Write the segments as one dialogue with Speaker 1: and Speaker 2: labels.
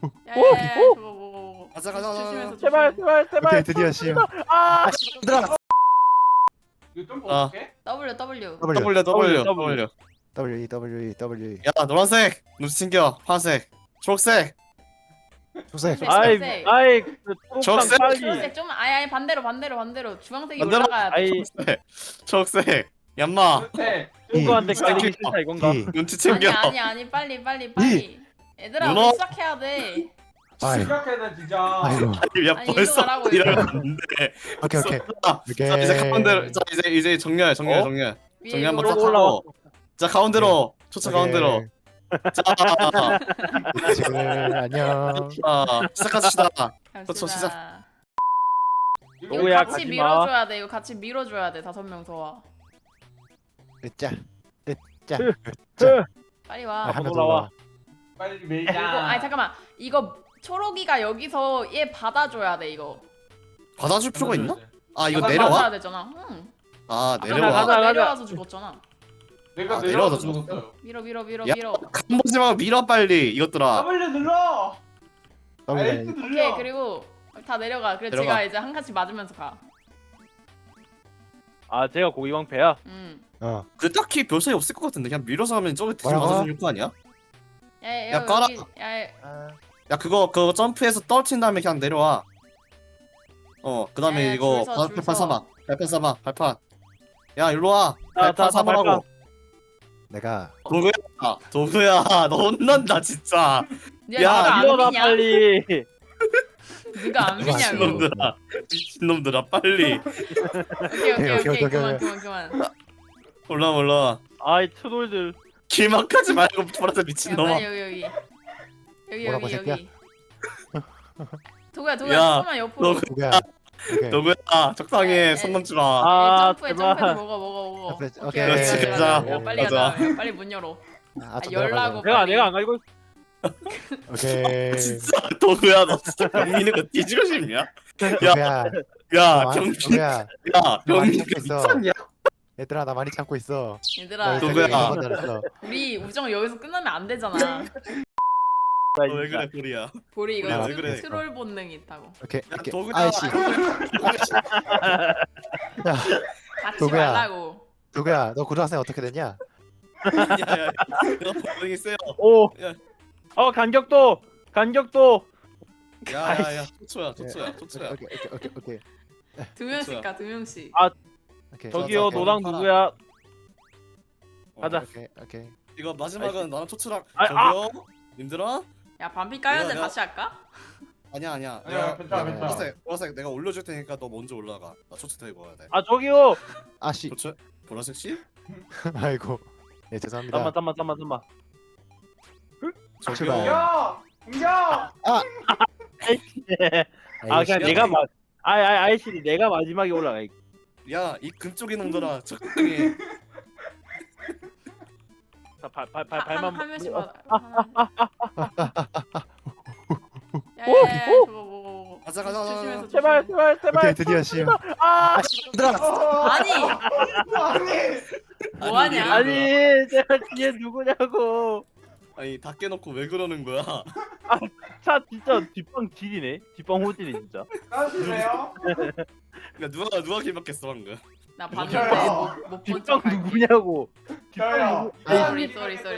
Speaker 1: 야야야 저거 뭐
Speaker 2: 가자 가자 가자.
Speaker 1: 조심해서
Speaker 3: 제발
Speaker 1: 조심해.
Speaker 3: 제발 제발.
Speaker 4: 오케이 드디어 시험.
Speaker 3: 아
Speaker 4: 얘들아.
Speaker 5: 이거 좀
Speaker 2: 아.
Speaker 5: 어떻게?
Speaker 1: W
Speaker 4: W
Speaker 1: W
Speaker 2: W W
Speaker 3: W.
Speaker 2: W.
Speaker 4: W E W E W E.
Speaker 2: 야 노란색 눈치 챙겨. 파란색 초록색.
Speaker 4: 초록색.
Speaker 3: 아이
Speaker 1: 초록색.
Speaker 3: 아이 그 초록색
Speaker 2: 초록색.
Speaker 3: 빨리.
Speaker 1: 초록색 좀 아예 반대로 주황색이
Speaker 2: 반대로?
Speaker 1: 올라가야 돼.
Speaker 3: 아이
Speaker 2: 초록색. 얌마
Speaker 5: 그렇대.
Speaker 3: 누구한테
Speaker 2: 이.
Speaker 3: 깔리기 싫다 이건가?
Speaker 4: E.
Speaker 2: 눈치 챙겨.
Speaker 1: 아니 빨리 얘들아
Speaker 2: 누나.
Speaker 1: 우리 시작해야 돼.
Speaker 4: 아이.
Speaker 5: 심각해다 진짜.
Speaker 4: 아이고.
Speaker 2: 야
Speaker 1: 아니,
Speaker 2: 벌써
Speaker 1: 이거 말하고
Speaker 2: 이러면 안 돼.
Speaker 4: 오케이 오케이.
Speaker 2: 자 이제 가운데로. 자 이제 정렬.
Speaker 3: 어?
Speaker 2: 정렬
Speaker 1: 위에
Speaker 2: 한번
Speaker 1: 이거
Speaker 2: 딱
Speaker 3: 올라와.
Speaker 2: 하고. 자 가운데로. 초차 가운데로. 자
Speaker 4: 지금 안녕.
Speaker 2: 시작합시다.
Speaker 1: 갑시다.
Speaker 2: 저 시작.
Speaker 1: 이거
Speaker 3: 누구야,
Speaker 1: 같이
Speaker 3: 가지마.
Speaker 1: 밀어줘야 돼. 이거 같이 밀어줘야 돼. 5명 더 와.
Speaker 4: 으짜. 으짜.
Speaker 3: 으.
Speaker 1: 빨리
Speaker 4: 아,
Speaker 1: 와.
Speaker 4: 한명 더
Speaker 3: 올라와.
Speaker 4: 올라와.
Speaker 5: 빨리
Speaker 1: 이거
Speaker 5: 밀자.
Speaker 1: 아니 잠깐만. 이거 초록이가 여기서 얘 받아줘야 돼 이거.
Speaker 2: 받아줄 필요가 있나? 아 이거
Speaker 5: 받아줘야
Speaker 2: 내려와?
Speaker 1: 받아야 되잖아. 응.
Speaker 2: 아
Speaker 1: 아까
Speaker 2: 내려와.
Speaker 3: 가자.
Speaker 1: 내려와서 죽었잖아.
Speaker 5: 내가
Speaker 2: 아,
Speaker 5: 내려와서
Speaker 2: 내려와서
Speaker 5: 죽었어요.
Speaker 1: 밀어.
Speaker 2: 야 간보지 말고 밀어 빨리 이것들아.
Speaker 5: W 눌러.
Speaker 4: W
Speaker 5: X
Speaker 4: E.
Speaker 1: 오케이
Speaker 5: 눌러.
Speaker 1: 그리고 다 내려가. 그래
Speaker 2: 내려가.
Speaker 1: 제가 이제 한 칸씩 맞으면서 가.
Speaker 3: 아 제가 고기방패야.
Speaker 4: 어.
Speaker 2: 그 딱히 별차이 없을 것 같은데 그냥 밀어서 하면 저기 뒤에
Speaker 4: 뭐라고?
Speaker 2: 맞아주는 거 아니야?
Speaker 1: 야
Speaker 2: 깔아.
Speaker 1: 야
Speaker 2: 야 그거 점프해서 떨어진 다음에 그냥 내려와. 그 다음에
Speaker 1: 야,
Speaker 2: 이거
Speaker 1: 줄 서,
Speaker 2: 발판 삼아. 발판 삼아. 발판. 야 일로 와.
Speaker 3: 자,
Speaker 2: 발판
Speaker 3: 자,
Speaker 2: 삼으라고.
Speaker 4: 내가
Speaker 2: 도구야 너 혼난다 진짜.
Speaker 1: 야,
Speaker 2: 야,
Speaker 1: 누가
Speaker 3: 일어나
Speaker 1: 안 미냐?
Speaker 3: 빨리.
Speaker 1: 누가 안 미냐고.
Speaker 2: 미친놈들아. 미친놈들아 빨리.
Speaker 1: 오케이 그만.
Speaker 2: 올라와.
Speaker 3: 아이 트롤들.
Speaker 2: 길막하지 말고 돌아서
Speaker 1: 야
Speaker 2: 미친놈아.
Speaker 1: 빨리
Speaker 4: 뭐라고, 새끼야?
Speaker 1: 여기. 도구야
Speaker 2: 야,
Speaker 1: 조금만 옆으로.
Speaker 4: 누구야? 오케이.
Speaker 2: 도구야 적당해. 손 넘지 마.
Speaker 3: 아
Speaker 1: 점프해
Speaker 3: 제발.
Speaker 1: 먹어.
Speaker 4: 오케이.
Speaker 2: 그렇지, 가자.
Speaker 1: 빨리 가자. 빨리 문 열어.
Speaker 4: 좀
Speaker 1: 열라고.
Speaker 4: 내려가자.
Speaker 3: 내가 안 갈고.
Speaker 4: 오케이.
Speaker 2: 진짜 도구야 너 진짜 경민이 거 뒤지고 싶냐?
Speaker 4: 누구야?
Speaker 2: 야
Speaker 4: 나
Speaker 2: 경민.
Speaker 4: 누구야?
Speaker 2: 야
Speaker 4: 나 많이
Speaker 2: 경민이
Speaker 4: 참고 있어.
Speaker 2: 미쳤냐?
Speaker 4: 얘들아 나 많이 참고 있어.
Speaker 1: 얘들아
Speaker 2: 누구야?
Speaker 1: 우리 우정 여기서 끝나면 안 되잖아.
Speaker 2: 왜 그래 도리야?
Speaker 1: 보리 이거
Speaker 4: 야,
Speaker 2: 왜 그래?
Speaker 1: 트롤 본능이 있다고.
Speaker 4: 오케이.
Speaker 2: 야
Speaker 4: 오케이.
Speaker 2: 도구야.
Speaker 4: 아이씨. 야
Speaker 1: 같이
Speaker 4: 도구야.
Speaker 1: 말라고.
Speaker 4: 누구야? 너 고등학생 어떻게 됐냐?
Speaker 2: 야야. 너 본능이 세요.
Speaker 3: 오.
Speaker 2: 야.
Speaker 3: 간격도.
Speaker 2: 야야야. 초초야.
Speaker 4: 오케이.
Speaker 1: 두 명씩 가, 2명씩.
Speaker 4: 오케이.
Speaker 3: 저기요
Speaker 2: 오케이.
Speaker 3: 노랑 누구야? 가자.
Speaker 4: 오케이.
Speaker 2: 이거 마지막은 나랑 초초랑
Speaker 3: 아,
Speaker 2: 저기요. 님들아?
Speaker 1: 야 반피 까였는데
Speaker 2: 내가-
Speaker 1: 다시 할까?
Speaker 2: 아니야.
Speaker 5: 아니야, 괜찮아.
Speaker 2: 보라색 내가 올려줄 테니까 너 먼저 올라가. 나 초초 데리고 와야 돼.
Speaker 3: 아 저기요.
Speaker 4: 아씨.
Speaker 2: 초초? 보라색 씨?
Speaker 4: 아이고. 네 죄송합니다.
Speaker 3: 잠만.
Speaker 2: 저기요.
Speaker 4: 출발.
Speaker 5: 공격. 공격.
Speaker 3: 아 그냥
Speaker 2: 야,
Speaker 3: 내가 아이씨 내가 마지막에 올라가.
Speaker 2: 야, 이 금쪽이 놈들아, 적당히.
Speaker 3: 발만.
Speaker 1: 한 명씩 받아. 야야야 저거 뭐.
Speaker 2: 가자.
Speaker 1: 조심해서
Speaker 3: 제발.
Speaker 4: 오케이 드디어 시험.
Speaker 3: 아
Speaker 4: 얘들아.
Speaker 1: 아니 뭐하냐?
Speaker 3: 아니 제가 뒤에 누구냐고.
Speaker 2: 아니, 다 깨놓고 왜 그러는 거야?
Speaker 3: 차 진짜 뒷방 질이네. 뒷방 호질이 진짜.
Speaker 5: 따시세요.
Speaker 2: 야, 누가 길막했어 방금?
Speaker 1: 나
Speaker 5: 저요.
Speaker 1: 봤는데 못본
Speaker 3: 뒷방
Speaker 1: 척.
Speaker 3: 누구냐고.
Speaker 5: 저요.
Speaker 1: 쏘리.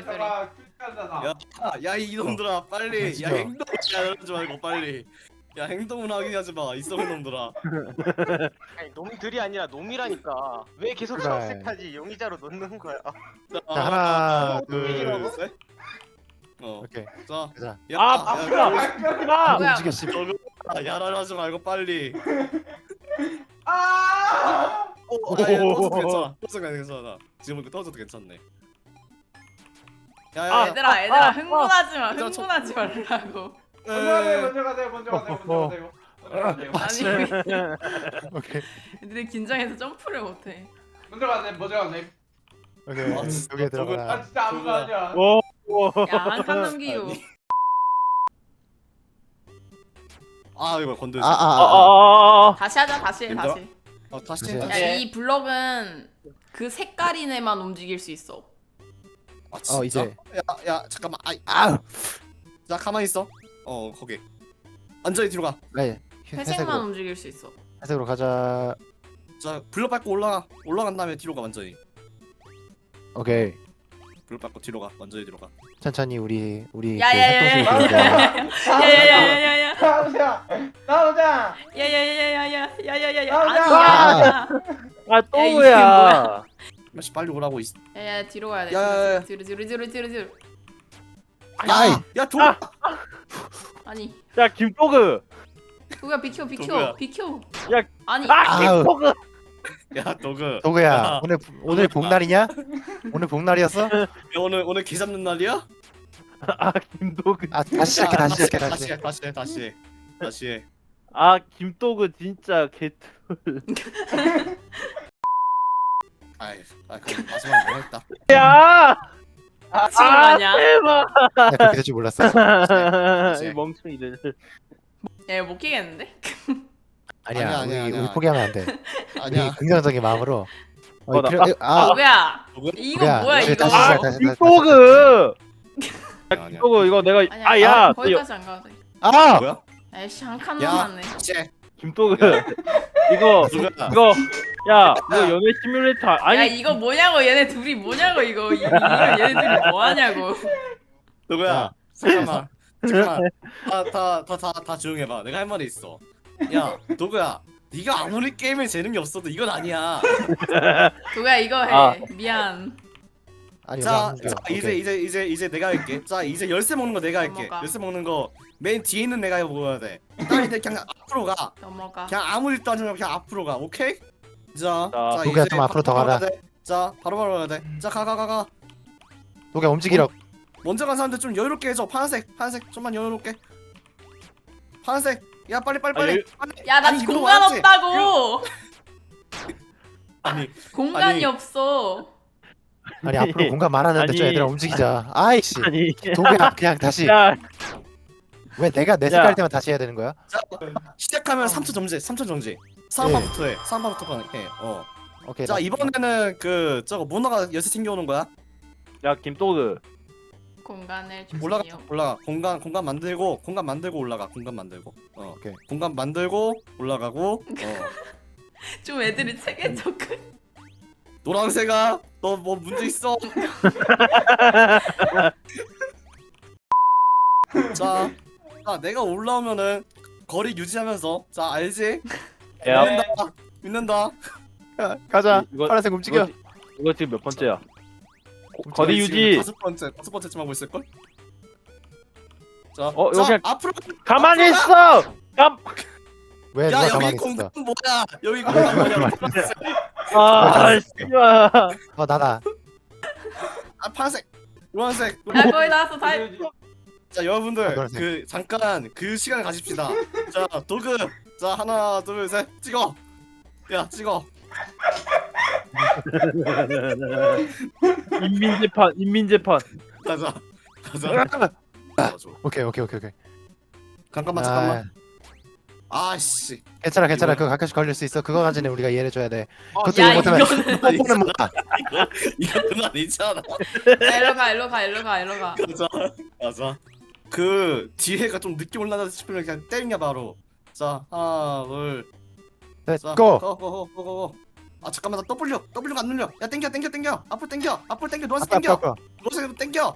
Speaker 2: 야, 이 놈들아, 빨리. 야,
Speaker 4: 진짜.
Speaker 2: 행동 하지 말고 빨리. 야, 행동을 하게 하지 마, 이 썩은 놈들아.
Speaker 6: 아니 놈들이 아니라 놈이라니까 왜 계속
Speaker 4: 그래.
Speaker 6: 초록색까지 용의자로 넣는 거야?
Speaker 2: 자,
Speaker 4: 하나,
Speaker 2: 둘,
Speaker 4: 둘.
Speaker 2: 셋.
Speaker 4: 오케이.
Speaker 2: 자,
Speaker 4: 가자.
Speaker 2: 야,
Speaker 3: 아프다.
Speaker 1: 뭐야?
Speaker 4: 움직여 씨.
Speaker 2: 야랄하지 말고 빨리.
Speaker 5: 아!
Speaker 2: 떠줘도 괜찮아. 떠줘도 괜찮아. 지금 보니까 떠줘도 괜찮네. 야,
Speaker 1: 얘들아 흥분하지 마.
Speaker 2: 얘들아,
Speaker 1: 흥분하지 말라고.
Speaker 5: 먼저 가세요.
Speaker 1: 아니
Speaker 4: 오케이.
Speaker 1: 애들이 긴장해서 점프를 못해.
Speaker 5: 먼저 가세요.
Speaker 4: 오케이.
Speaker 2: 아, 진짜
Speaker 4: 여기에
Speaker 2: 저거-
Speaker 4: 들어가.
Speaker 5: 아 진짜 아무도 아니야.
Speaker 3: 오.
Speaker 1: 야 한 칸 넘기고.
Speaker 2: 이거 건들지.
Speaker 1: 다시 하자 다시 해
Speaker 2: 힘들어?
Speaker 1: 다시.
Speaker 2: 다시
Speaker 4: 다시 해.
Speaker 2: 다시.
Speaker 1: 야 이 블럭은 그 색깔인 애만 움직일 수 있어.
Speaker 2: 진짜?
Speaker 4: 이제.
Speaker 2: 야, 잠깐만.
Speaker 4: 아우.
Speaker 2: 자, 가만히 있어. 거기. 완전히 뒤로 가.
Speaker 4: 네.
Speaker 1: 회색만
Speaker 4: 회색으로.
Speaker 1: 움직일 수 있어.
Speaker 4: 회색으로 가자.
Speaker 2: 자 블럭 밟고 올라간 다음에 뒤로 가 완전히.
Speaker 4: 오케이.
Speaker 2: 블럭 밟고 뒤로 가 완전히 뒤로 가.
Speaker 4: 천천히 우리 그
Speaker 1: 야야야야.
Speaker 4: 협동식으로 가자.
Speaker 1: 야야야야야야.
Speaker 5: 나오자. 나오자.
Speaker 1: 야야야야야야야야야야.
Speaker 5: 나오자.
Speaker 1: 아니야.
Speaker 3: 아
Speaker 1: 이게
Speaker 3: 또야.
Speaker 2: 마시 빨리 오라고 있.
Speaker 1: 야야 뒤로 가야 돼.
Speaker 2: 야야야.
Speaker 1: 뒤로.
Speaker 4: 아이.
Speaker 2: 야 도.
Speaker 1: 아니.
Speaker 3: 야 김토그.
Speaker 1: 도구야 비켜.
Speaker 2: 도구야.
Speaker 1: 비켜.
Speaker 3: 야.
Speaker 1: 아니.
Speaker 3: 아
Speaker 4: 아우.
Speaker 3: 김토그.
Speaker 2: 야 도그.
Speaker 4: 도구야. 오늘 복날이냐? 오늘 복날이었어?
Speaker 2: 야, 오늘 개 잡는 날이야?
Speaker 3: 아 김토그.
Speaker 4: 아 다시 시작해. 다시 시작해.
Speaker 2: 다시 해.
Speaker 3: 아 김토그 진짜 개트.
Speaker 2: 그럼 마지막 뭐 했다.
Speaker 3: 야.
Speaker 1: 지금 아냐?
Speaker 3: 대박.
Speaker 4: 나 그렇게 될 줄 몰랐어.
Speaker 3: 이 멍청이들.
Speaker 1: 야 이거 못 끼겠는데?
Speaker 4: 아니야.
Speaker 2: 아니야.
Speaker 4: 우리 포기하면 안 돼.
Speaker 2: 아니야.
Speaker 4: 우리 긍정적인 마음으로.
Speaker 3: 나-
Speaker 1: 도구야.
Speaker 2: 도구야?
Speaker 1: 이거
Speaker 4: 도구야,
Speaker 1: 뭐야
Speaker 4: 이제
Speaker 1: 이거?
Speaker 4: 다시
Speaker 3: 아
Speaker 4: 시작, 다시.
Speaker 3: 김토그.
Speaker 2: 아니야.
Speaker 3: 김토그 이거 내가
Speaker 1: 아니야.
Speaker 3: 아야.
Speaker 1: 거기까지 안 가도 돼.
Speaker 4: 아!
Speaker 2: 뭐야?
Speaker 1: 아이씨 한 칸
Speaker 2: 야.
Speaker 1: 남았네.
Speaker 2: 쟤.
Speaker 3: 김토그. 이거
Speaker 2: 도구야.
Speaker 3: 야 이거 연애 시뮬레이터
Speaker 1: 야
Speaker 3: 아니
Speaker 1: 이거 뭐냐고 얘네 둘이 뭐냐고 이거 얘네 둘이 뭐 하냐고.
Speaker 2: 도구야. 잠깐만. 다 조용해봐. 내가 할 말이 있어. 야 도구야. 네가 아무리 게임에 재능이 없어도 이건 아니야.
Speaker 1: 도구야 이거 해.
Speaker 3: 아.
Speaker 1: 미안.
Speaker 4: 아니
Speaker 2: 자,
Speaker 4: 우리 안
Speaker 2: 자 이제 내가 할게. 자 이제 열쇠 먹는 거 내가 할게.
Speaker 1: 넘어가.
Speaker 2: 열쇠 먹는 거 맨 뒤에 있는 내가 먹어야 돼. 딱 이제 그냥 앞으로 가.
Speaker 1: 넘어가.
Speaker 2: 그냥 아무 일도 하지 말고 그냥 앞으로 가. 오케이? 자,
Speaker 4: 도구야, 좀 앞으로 더 가라.
Speaker 2: 가야 돼. 자 바로 가야 돼. 자 가.
Speaker 4: 도구야 움직이라.
Speaker 2: 먼저 간 사람들 좀 여유롭게 해줘. 파란색 좀만 여유롭게. 파란색. 야 빨리.
Speaker 3: 아니,
Speaker 1: 야 나
Speaker 2: 아니, 이거
Speaker 1: 공간
Speaker 2: 뭐였지?
Speaker 1: 없다고.
Speaker 2: 아니
Speaker 1: 공간이
Speaker 2: 아니.
Speaker 1: 없어.
Speaker 4: 아니 앞으로 공간 많았는데
Speaker 3: 아니.
Speaker 4: 좀 얘들아 움직이자. 아이씨.
Speaker 3: 아니
Speaker 4: 도구야 그냥 다시.
Speaker 3: 야
Speaker 4: 왜 내가 내 색깔 때만 다시 해야 되는 거야?
Speaker 2: 자 시작하면 3초 정지. 상반부터 해. 상반부터 해.
Speaker 4: 오케이.
Speaker 2: 자
Speaker 4: 나-
Speaker 2: 이번에는 그 저거 모나가 열쇠 챙겨오는 거야.
Speaker 3: 야 김토그.
Speaker 1: 공간을
Speaker 2: 올라가.
Speaker 1: 주세요.
Speaker 2: 공간 만들고 올라가. 공간 만들고.
Speaker 4: 오케이.
Speaker 2: 공간 만들고 올라가고.
Speaker 1: 좀 애들이 책에 접근.
Speaker 2: 노란색아 너 뭐 문제 있어? 자 내가 올라오면은 거리 유지하면서 자 알지?
Speaker 3: 야
Speaker 2: 믿는다.
Speaker 4: 야, 가자.
Speaker 3: 이거-
Speaker 4: 파란색 움직여.
Speaker 3: 이거 지금 몇 번째야? 거리 유지.
Speaker 2: 다섯 번째쯤 하고 있을 걸? 자,
Speaker 3: 이거 그냥
Speaker 2: 앞으로
Speaker 3: 가만히
Speaker 2: 앞으로
Speaker 3: 있어.
Speaker 4: 왜
Speaker 2: 야
Speaker 4: 누가
Speaker 2: 여기
Speaker 4: 가만히
Speaker 2: 공간
Speaker 4: 있어?
Speaker 2: 뭐야? 여기 공간 뭐냐?
Speaker 3: 아 씨발.
Speaker 4: 나다.
Speaker 2: 아 파란색, 노란색.
Speaker 1: 야 거의 나왔어 다.
Speaker 2: 자 여러분들
Speaker 4: 노란색.
Speaker 2: 그 잠깐 그 시간을 가집시다. 자 도그 자 하나 둘 셋 찍어. 야 찍어.
Speaker 3: 인민재판.
Speaker 2: 가자. 줘.
Speaker 4: 오케이.
Speaker 2: 잠깐만. 아씨.
Speaker 4: 괜찮아.
Speaker 2: 이거야?
Speaker 4: 그거 가끔씩 걸릴 수 있어. 그거 가지고 우리가 이해해 줘야 돼. 그것도
Speaker 1: 야
Speaker 4: 이거 못하면
Speaker 1: 이거는
Speaker 4: 뽀뽀는 뭐야?
Speaker 2: 이거 그건 아니잖아.
Speaker 1: 일로 가.
Speaker 2: 가자. 그 뒤에가 좀 늦게 올라가다 싶으면 그냥 때리냐 바로. 자 하나 둘. 자
Speaker 4: 고.
Speaker 2: 고. 아 잠깐만 나 W가 안 눌려. 야 땡겨. 앞으로 땡겨. 노란색
Speaker 4: 아까
Speaker 2: 땡겨. 노란색 땡겨.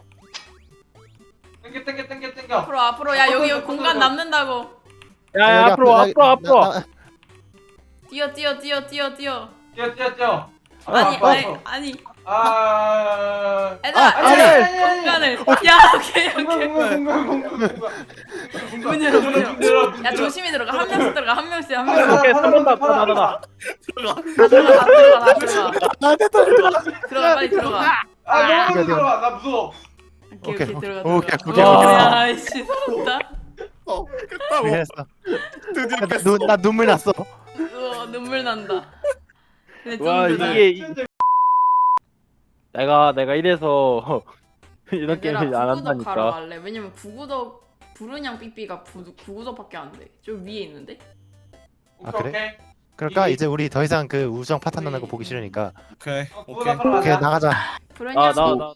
Speaker 5: 땡겨.
Speaker 1: 앞으로 야 여기 공간 남는다고.
Speaker 3: 야 앞으로.
Speaker 1: 뛰어.
Speaker 5: 뛰어.
Speaker 1: 아니
Speaker 5: 아.
Speaker 1: 얘들아 공간을. 야 오케이. 문 열어. 야 조심히 들어가. 한 명씩 들어가. 한 명씩.
Speaker 3: 오케이 3번 다.
Speaker 2: 들어가.
Speaker 1: 다 들어가. 들어가 빨리 들어가.
Speaker 5: 아 너무 들어와. 나 무서워.
Speaker 1: 오케이 들어가.
Speaker 4: 오케이.
Speaker 1: 야 씨 서럽다.
Speaker 2: 끝나고
Speaker 4: 그랬어.
Speaker 2: 드디어 깼어.
Speaker 4: 나 눈물 났어.
Speaker 1: 눈물 난다. 근데
Speaker 3: 와
Speaker 1: 좀
Speaker 3: 이게 내가 이래서 이런
Speaker 1: 얘들아
Speaker 3: 게임을 안
Speaker 1: 구구덕 가러
Speaker 3: 한다니까.
Speaker 1: 갈래. 왜냐면 구구덕 부르냥 삐삐가 구구덕밖에 안 돼. 좀 위에 있는데.
Speaker 4: 아, 그래? 그러니까 이제 우리 더 이상 그 우정 파탄 나는 거 보기 싫으니까
Speaker 2: 오케이.
Speaker 4: 오케이 나가자.
Speaker 1: 부르냥
Speaker 3: 나